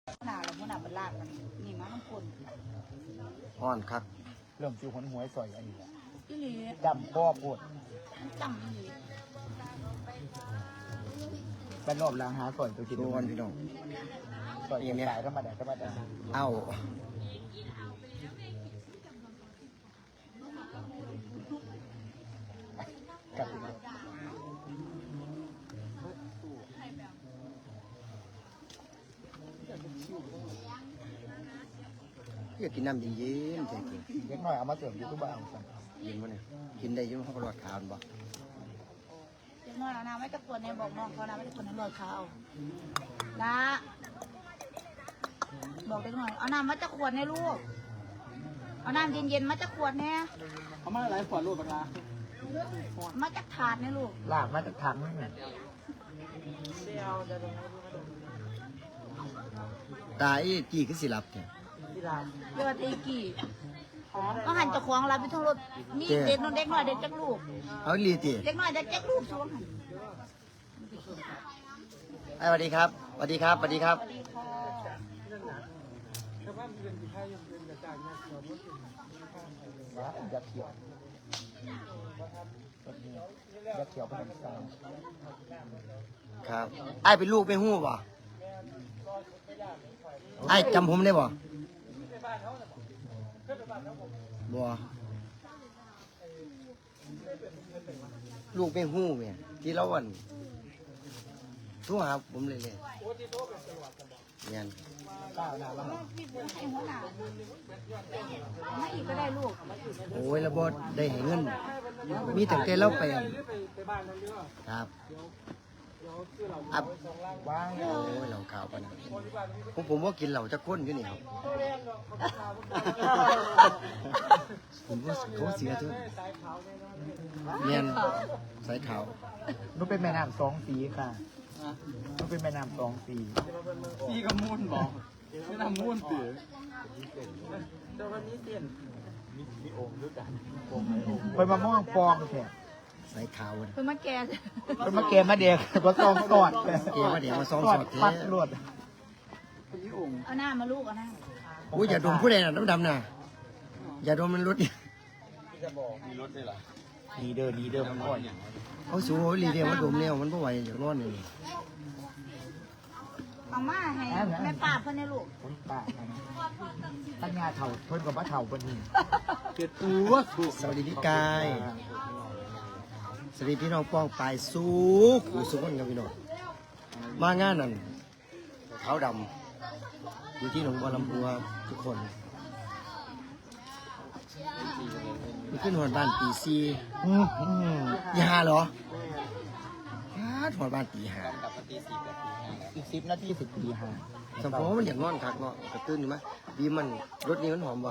หนาแล้วหัวหน้าเป็นลากมันนี่มาน้ำคนอ่อนครับเริ่มจิวหนหวยซอยอันนี้แหละอีหลีดำพ่อพูดมันจำอีหลีบ้านนอกล้างหาซอยตัวกินดูกันพี่น้องซอยอย่างนี้ธรรมดาธรรมดาเอ้ากับอยากกินน้ำเย็นๆใจเย็นเล็กน้อยเอามาเสริมยูทูบเบอร์เอาสั่งเย็นวะเนี่ยกินได้อยุ่งเขาก็รอดขาวบ่เด็กน้อยเอาน้ำไม่ตะกวนเนี่ยบอกน้องเขาน้ำไม่ตะกวนให้รอเขานะบอกเด็กน้อยเอาน้ำมาจะขวดเนี่ยลูกเอาน้ำเย็นๆมาจะขวดเนี่ยเอามาหลายขวดรูปปลามาจะถาดเนี่ยลูกลากมาจากถังนี่ตาอีจี้คือสิหลับเนี่ยที่ลานเยอดตีกี่ก็หันจะควงเราไปทั้งรถมีเด็กน้องเด็กน้อยเด็กจักลูกเอาอีหลีติเด็กน้อยเด็กจักลูกช่วงหันไอ้สวัสดีครับสวัสดีครับสวัสดีครับสวัสดีค่ะนะยักษ์เขียวยักษ์เขียวเป็นสาวครับไอ้เป็นลูกเป็นหู้บ่ไอ้จำผมได้บ่บ่ลูกเป็นหู้เนี่ยที่เราวันโทรหาผมเลยเนี่ยก้าวหน้าแล้วให้หัวหน้ามาอีกก็ได้ลูกโอ้ยระบดได้ให้เงิน มีแต่แกเล่าไปครับอับว่างโอ้ยเหล่าขาวปะนะผมว่ากินเหล่าจะข้นอยู่นี่ครับผมว่าเขาเสียทุกเนียนสายขาวนุ๊กเป็นแม่น้ำสองสีค่ะนุ๊กเป็นแม่น้ำสองสีพี่ก็มุ่นบอกไม่ทำมุ่นตื่นเดี๋ยววันนี้เปลี่ยนไปมาม่วงฟองแค่สายขาวนะเพิ่งมาแก่ไปมาเกมมาเด็กก็ซองสอดเกมมาเดี๋ยวมาซ้อมสอดเทปัดรวดพี่องค์เอาหน้ามาลูกเอาหน้าอุ้ยอย่าดมผู้ใดน่ะน้ำดำน่ะอย่าดมมันรถมีรถด้วยเหรอดีเดอร์มันก่อนเขาสูบลีเดียวมันดมแล้วมันไม่ไหวอย่างนอนเลยเอามาให้แม่ป้าเพื่อนเนี่ยลูกผมป้าตั้งงาเถ่าเพิ่นกับว่าเถ่าคนนี้เกิดตัวถูกสวัสดีพี่กายสวัสดีพี่น้องป้องปลายสู้ขู่สุขนกับพี่น้องมางานนั่นขาวดำอยู่ที่หนองบัวลำพูครับทุกคนมีขึ้นหอดบ้านตีซีตีห้าเหรอหอดบ้านตีห้ากับปฏิสิทธิ์แบบอีนี้ก10 นาที10 ปีห้าสมพมันอยากนอนคักเนาะกระตื้นอยู่ไหมดีมันรถนี้มันหอมบ่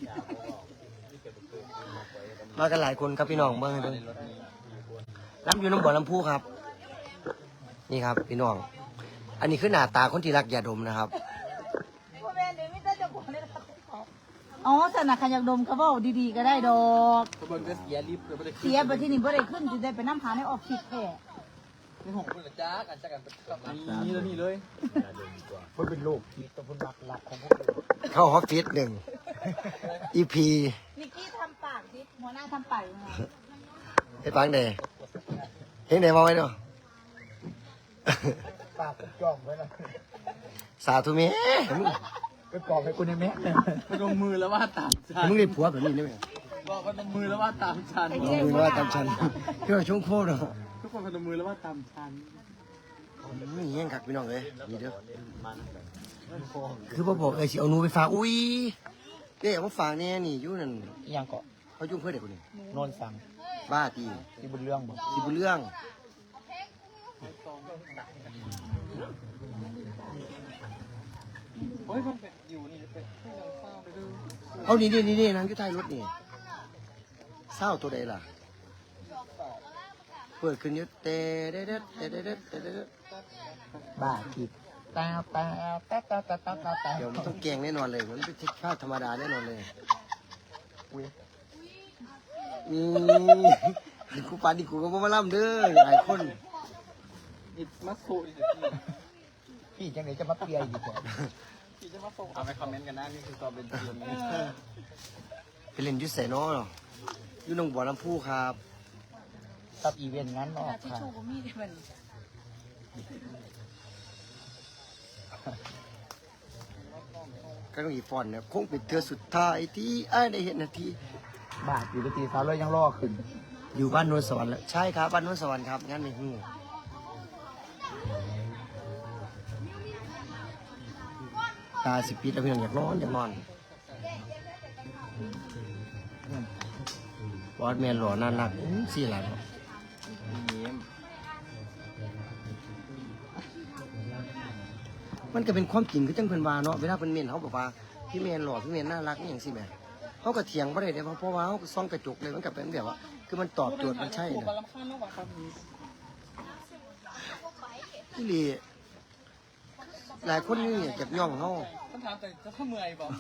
มากันหลายคนครับพี่น้องเบิ่งให้เบิ่งรับอยู่หน้องบัวลำพูครับ นี่ครับพี่น้อง อันนี้คือหน้าตาคนที่รักยาดมนะครับอ๋อสนักขยักดมเขาบอกดีๆก็ได้ดอกกระบวนการเสียลิฟต์เลยไม่ได้เสียไปที่นี่บ่ได้ขึ้นจะได้ไปน้ำหาในออฟฟิศแท้ในหกคนละจ้ากันจ้ากันกับนี่แล้วนี่เลยเพิ่นเป็นลูกที่ตัวเพิ่นรักของพวกเราเข้าออฟฟิศหนึ่ง EP นิกกี้ทำปากดิหัวหน้าทำปากยังไงให้ฟังเด้เห็นเด้มองไว้เนาะปากจ้องไว้นะสาธุเมมึงไปปอกให้คุณในแม่พนมมือแล้วว่าตามฉันมึงได้ผัวแบบนี้ได้ไหมบอกพนมมือแล้วว่าตามฉันมึงว่าตามฉันพี่ว่าช่วงโคตรเนาะทุกคนพนมมือแล้วว่าตามฉันนี่ยังคักพี่น้องเลยนี่เด้อคือพ่อบอกสิเอาหนูไปฝากอุ้ยเด้เอามาฝากเนี่ยนี่อยู่นั่นยังเกาะเขายุ่งเพื่อเด็กคนนี้โนนสั่งบ้าตีที่บุญเรื่องบ่สิบุเรื่องโอ้ยมันเป็นอยู่นี่เป็นที่เราเศร้าไปดูเอานี่นางอยู่ท้ายรถนี่เศร้าตัวใดล่ะเปิดขึ้นอยุเตะเด็ดเด็ดเด็ดเด็ดเด็ดเด็ดบ้าคิดตาตาตาตาตาตาตาตาเดี๋ยวมันต้องแกงแน่นอนเลยมันไม่ใช่ข้าวธรรมดาแน่นอนเลยอุ้ยนี่กูปานนี่กูก็บ่มาล่ำเด้อหลายคนอิดมัสโซอีกทีพี่จังไหนจะมาเปียอีกก่อนเอาไปคอมเมนต์กันนะนี่คือตัวเป็นจริงไปเล่นอยุทธเสนอเนาะอยู่หนองบัวลำพูครับกับอีเวนต์งั้นออกที่ค่ะชูก็มีได้บัดนี้ก็ต้องอีฟอนเนี่ยคงเป็นเธอสุดท้ายที่อ้ายได้เห็นนาทีบาทอยู่ที่สาวเลยยังล่อขึ้นอยู่บ้านโนนสวรรค์แล้วใช่ครับบ้านโนนสวรรค์ครับงั้นในหูตาสิบปีแล้วพี่น้องอยากนอนอยากนอนบอสแมนหล่อน่ารักสี่หลานเนาะมันก็เป็นความจริงคือจังเพิ่นว่าเนาะเวลาเพิ่นเมนเขาบอกว่าพี่แมนหล่อพี่แมนน่ารักนี่อย่างสิแม่เขาก็เถียงบ่ได้เด้เพราะว่าเขาก็ส่องกระจกเลยมันก็เป็นแบบว่า คือมันตอบโจทย์มันใช่นะที่ลีหลายคนนี่เก็บย่องเขาคำถามแต่จะเมื่อยบอก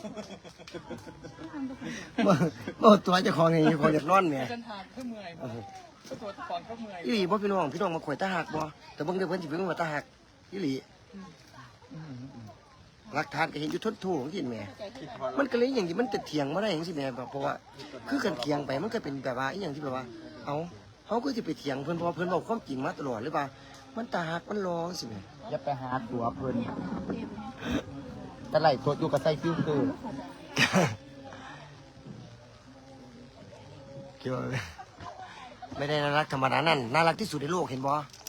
เมื่อตัวเจะคลองไงคนอยากนอนเนี่ยเส้นทางเมื่อยบอกก็ตัวก่อนก็เมื่อยอีหลีบ่พี่น้องมาข่อยตาหักบ่แต่เบิ่งเดี๋ยวเพิ่นสิเพิ่งมาตาหักอีหลีหลักฐานก็เห็นอยู่ทนโถของที่แม่มันก็เลยอย่างที่มันจะเถียงบ่ได้จังซี่แม่เพราะว่าคือกันเถียงไปมันก็เป็นแบบว่าอีหยังที่แบบว่าเอาเฮาก็สิไปเถียงเพิ่นเพราะว่าเพิ่นบอกความจริงมาตลอดหรือเปล่ามันตาหักมันรอจังซี่แม่อย่าไปหาตัวเพิ่นแต่ไหลตัวอยู่กับไส้ฟิวเตอร์เกี่ยวไม่ได้น่ารักธรรมดานั่นน่ารักที่สุดในโลกเห็นบ่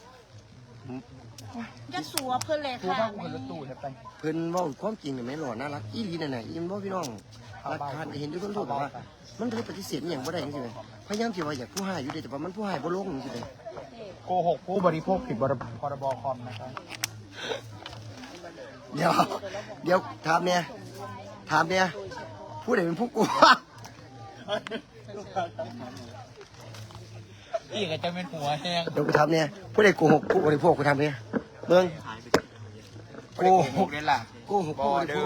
จะสัวเพิ่นเลยครูค่ะบ้างคนรถตู้จะไปเพิ่นเว้าความจริงนี่แม่หล่อน่ารักอีหลีนั่นน่ะอีมันบ่พี่น้องหลักฐานก็เห็นอยู่ทนโถบอกว่า มันก็เลยปฏิเสธอหย่างบ่ได้จังซี่แม่พยายามสิว่าอยากผู้ให้อยู่เด้แต่ว่ามันผู้ให้บ่ลงจังซี่แม่โกหกผู้บริโภคผิดพรบคอมนะครับเดี๋ยวถามเนี่ยผู้ใดเป็นผู้กลัวอีกจะเป็นหัวแห้งเดี๋ยวกูทำเนี่ยผู้ใดโกหกผู้บริโภคกูทำเนี่ยเบิ่งโกหกนี่แหละโกหกผู้บริโภค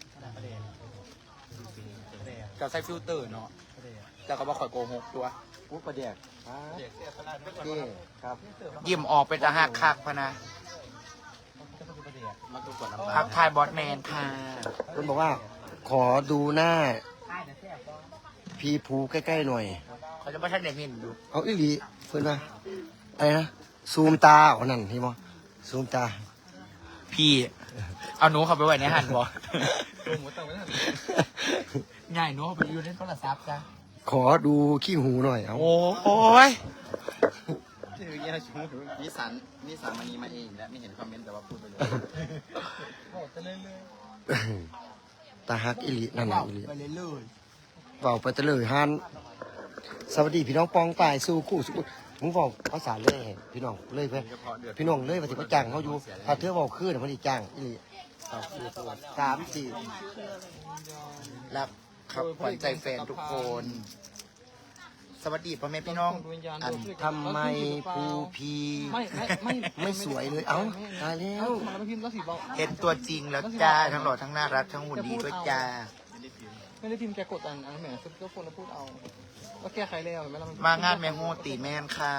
จะใส่ฟิลเตอร์เนาะแต่ก็บ่ค่อยโกหกตัวผู้ประเดี๋ยวเจ้ครับยิ้มออกเป็นตาหักคักพะนะพักทายบอสแมนค่ะคุณบอกว่า ขอดูหน้าพีภูใกล้ๆหน่อยเขาจะไม่ทันเด็กมินดูเอาอีหลีเพิ่นว่าอะไรนะซูมตาอ๋อนั่นเห็นบ่ซูมตาพี่เอาหนูเข้าไปไว้ในหันบอง่ายหนูเข้าไปอยู่ในโทรศัพท์จ้ะขอดูขี้หูหน่อยเอาโอ้ยคือแย่ชูนิสันมันนี้มาเองและไม่เห็นคอมเมนต์แต่ว่าพูดไปเลยตาฮักอีหลีนั่นน่ะอีหลีไปเลยเลยเว้าไปตะเลยฮันสวัสดีพี่น้องปองป่ายสู่คู่สุขมึงเว้าภาษาเลยให้พี่น้องเลยเพิ่นพี่น้องเลยว่าสิมาจ้างเขาอยู่ถ้าเธอเว้าคือน่ะมันสิจ้างอีหลีเอาคือตัว3 4 รักครับขวัญใจแฟนทุกคน สวัสดีพ่อแม่พี่น้องอันทำไมภูพีไม่สวยเลยเอ้าตายแล้วมาแล้วพิมพ์ก็สีบอกเห็นตัวจริงแล้วจ้าทั้งหล่อทั้งน่ารักทั้งหุ่นดีด้วยจ้าไม่ได้พิมพ์แกกดอันแหมซุปเปอร์โฟนแล้วพูดเอาว่าแก้ไขแล้วเห็นไหมล่ะมางานแมงโฮตีแมนค่ะ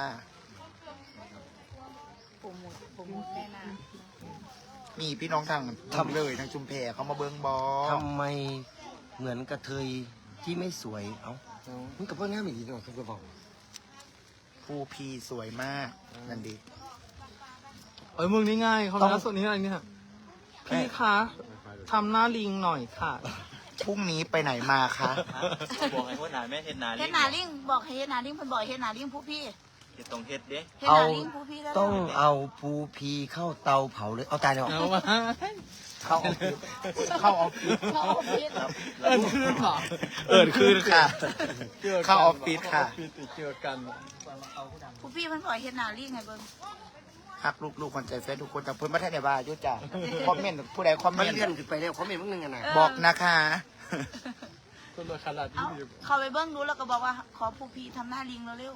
โปรโมทแม่นามีพี่น้องทางทำเลยทางชุมแพเขามาเบิ้งบอทำไมเหมือนกระเทยที่ไม่สวยเอ้ามึงกับเพื่อนงามอีกทีนึงคือบอกภูพีสวยมากนั่นดีมึงนี่ง่ายเขาเป็นลักษณะนี้อะไรเนี่ยพี่คะทำหน้าลิงหน่อยค่ะพรุ่งนี้ไปไหนมาคะบอกให้คนหนาแม่เห็นหนาเฮ็ดหนาลิงบอกให้เฮ็ดหนาลิงเพิ่นบอกให้เฮ็ดหนาลิงผู้พี่เห็นตรงเห็ดเด้เฮ็ดหนาลิงผู้พี่แล้วต้องเอาภูพีเข้าเตาเผาเลยเอาตายเลยเอามาเข้าออฟฟิศเข้าออฟฟิศเขาเอาพิษคืนเหรอคืนค่ะ เข้าออฟฟิศค่ะเจอกันผู้พี่เพิ่นบอกให้เฮ็ดหนาลิงไงเบิ่งฮักลูกๆคนใจแฟนทุกคนจากเพื่อนมาแท้ในบ้านยุจ้าคอมเมนต์ผู้ใดคอมเมมันนต์เลื่อนขึ้นไปแล้วเขาไม่มึงนึงกันนะบอกนะคะคนรวยขนาดเอานี้เขาไปเบิ่งดูแล้วก็บอกว่าขอผู้พี่ทำหน้าลิงเร็ว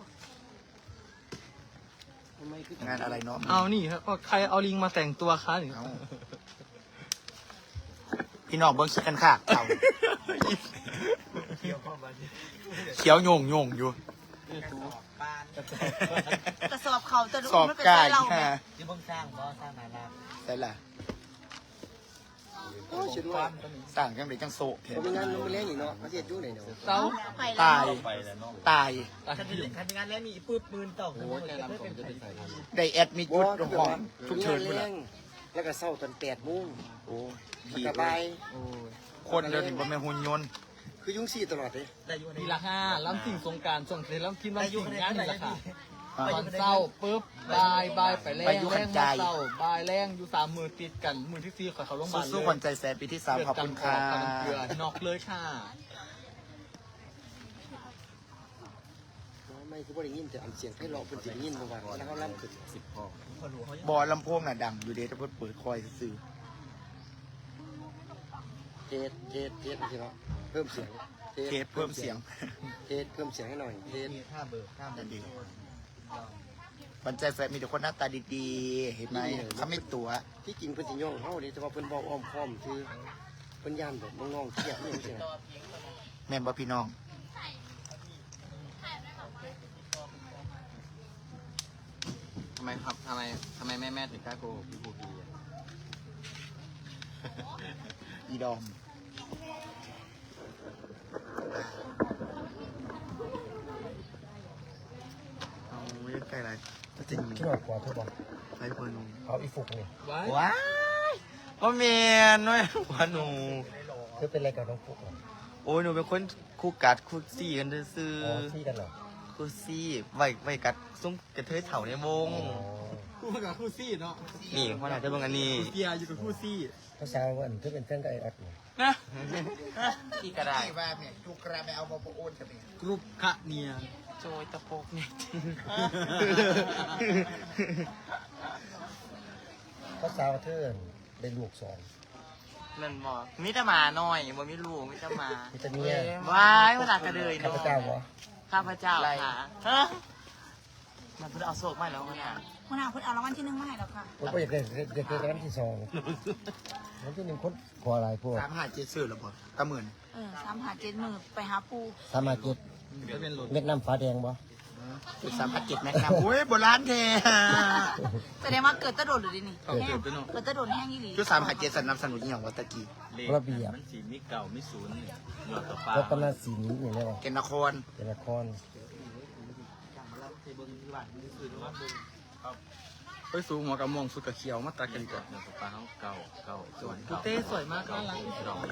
งานอะไรเนาะเอานี่ครับใครเอาลิงมาแต่งตัวคะเอาพี่น้องเบิ้งคิดกันค่ะเอาเขียวโยงอยู่ๆกระสอบเขาจะดูสอบมันเป็นกาไส้ยเราค่ะแม่ที่เพิ่งสร้างบ่สร้างนานแล้วใช่ล่ะโอ้ชิดว่าสั่งจังเลยจังโซะผมมีงานลงไปเลี้ยงอีกเนาะประเทศยุ่งไหนเนาะเจ้าไปตาแล้วยตายคันงานแล้วมีปื้บปืนต่อโอ้ยแค่นั้นผมจะไปใส่ทันได้แอดมิดยุดโรงห้องฉุกเฉินมีพุ่นงานล่ะเลี้ยงแล้วก็เศร้าตอน8 โมงโอ้มันผีก็เลบาย ยโอ้ยคนเดินนี่บ่แม่นหุ่นยนต์คือยุ่งซี่ตลอดเลยได้อยู่ในทีละ5ล้ำสิ่งสงการส่งเสร็จแล้วกินวันสิ่งงานนี่แหละค่ะอ่าตอนเศร้าปุ๊บบายไปแรงไปอยู่แรขังนใจมาเศร้าบายแรงอยู่3 มือติดกันมือที่4ขอเขาลงพยาบาลเลยสู้ๆคนใจแสนปีที่3ขอบคุณค่ะเกลือนอกเลยค่ะไม่คือบ่ได้ยินแต่อันเสียงให้ร้องเพิ่นสิได้ยินบ่ว่าแล้วเขาล่ำขึ้นบอลำโพงน่ะดังอยู่เด้ถ้าเพิ่นเปิดคอยซื่อเทสสิเนาะเพิ่มเสียงเทปเพิ่มเสียงเทสเพิ่มเสียงให้หน่อยเทสท่าเบอร์ท่าเบอนั่นร์ดีบันใจแฟนมีแต่คนหน้าตาดีๆ เห็นไหมเขาไม่ตัวที่จริงเพิ่นสิย่องเฮาเด้แต่ว่าเพิ่นเว้าอ้อมค้อมคือเพิ่นย่านแบบน้องๆเครียดนี่จังซี่นะแม่นบ่พี่น้องทำไมครับทำไมแม่ถึงกล้าโกหกพี่บูพีอะอีดอมเอาเล่นใกล้ไรก็จริงคิดว่ากว่าเธอบอกไปเพิ่นเอาอีฟุกนี่ไว้ว้ายพ่อเมียนด้วยพ่อหนูเธอเป็นอะไรกับน้องฟุกเหรอโอ้ยหนูเป็นคนคู่กัดคู่ซี่กันซื่ออ๋อที่กันเหรอคู่ซี่ไว้กัดซุ้มกระเทยเถ่าในวงคู่กับคู่ซี่เนาะนี่พ่อหนาจะบังอันนี้คู่เกียร์อยู่กับคู่ซี่ภาษาว่าเธอเป็นแฟนกับไอ้ออดนี่นะที่กระไดที่ว่าเนี่ยทุกกระไม่เอามาโอนจะเป็นกรุ๊ปขะเนียโจยตะโปกเนี่ยภาษาว่าเธอได้ลูกสองนั่นบอกมิตรมาหน่อยบ่มีลูกมิตรมามีแต่เมียว้ายเวลากระเดยข้าพเจ้าเหรอข้าพเจ้าค่ะมันเพิ่งเอาโศกมาแล้วเนี่ยคุณอาคุณเอารางวัลที่1มาให้แล้วค่ะผมก็อยากได้กันที่สองผมที่หนึ่งคนขออะไรพวก 357ซื้อแล้วบ่ตะหมื่น 3 5 7 มือไปหาปูสามารถเก็บก็เป็นรถเม็ดน้ำฟ้าแดงบ่จุด357แม็กนัมโอ้ยโบราณแท้แสดงว่าเกิดตะโดดหรือดินี่เขาเกิดไปเนาะเกิดตะโดดแห้งอีหลีจุด357สนับสนุนอหย่างวัตะกี้ระเบียบมันสีมีเก่ามีศูนย์เนี่ยยอดต่อปลารถกำลังสีนี้อย่างนี้วะเกณฑ์นครเป็นละครไปสูงหัวกับม่วงสุดกับเขียวมาตัดกันดีกว่ายอดต่อปลาเขาเก่าส่วนกูเต้สวยมากน่ารักดอก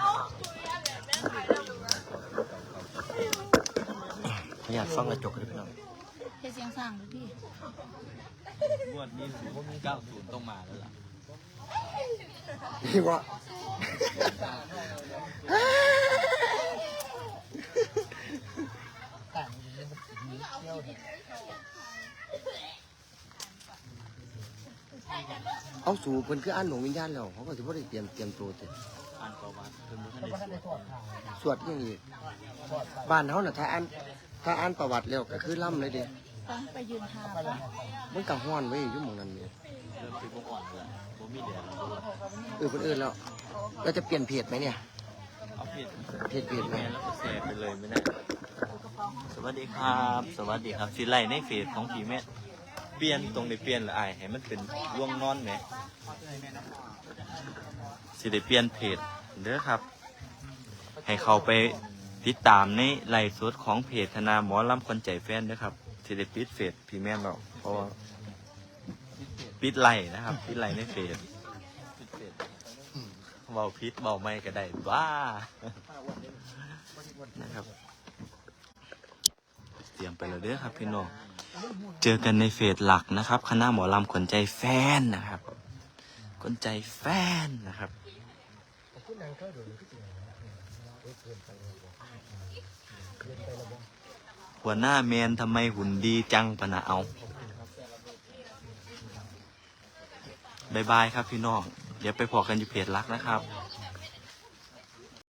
อยากฟังกระจกเลยพี่น้องเฮ็ดเสียงสร้างเลยพี่งวดนี้90ต้องมาแล้วล่ะพี่ว่าเอาสู่เพิ่นคืออ่านหลวงวิญญาณแล้วเขาก็ถือว่าได้เตรียมตัวเต็มอ่านประวัติเพิ่นบ่ทันได้สวดอย่างนี้บ้านเขาน่ะถ้าอ่านประวัติแล้วก็คือล่ำเลยเด้ไปยืนทาปะมันก็ฮ้อนไว้อยู่หม่องนั้นเนี่ยเริ่มสิบ่อ่อนแล้วบ่มีแดดเพิ่นเอิ้นแล้วเราจะเปลี่ยนเพจไหมเนี่ยเอาผิดเพจไหมแม่แล้วก็แชร์ไปเลยไม่ได้สวัสดีครับ สวัสดีครับสิไล่ในเฟซของพี่แม่เปลี่ยนตรงได้เปลี่ยนละอายให้มันเป็นร่วงนอนแหมสิได้เปลี่ยนเพจเด้อครับ ให้เขาไปติดตามในไลฟ์สดของเพจธนาหมอลำคนใจแฟนเด้อครับสิได้ปิดเฟซพี่แม่เราเพราะว่าปิดไลน์นะครับปิดไลน์ในเฟซเบาพิษเบาไม่ก็ได้ว้านะครับ เตรียมไปแล้วเด้อครับพี่น้องเจอกันในเฟสหลักนะครับคณะหมอลำขนใจแฟนนะครับขนใจแฟนนะครับหัวหน้าแมนทำไมหุ่นดีจังปะนะเอาบายบายครับพี่น้องเดี๋ยวไปพอกันอยู่เพจหลักนะครับ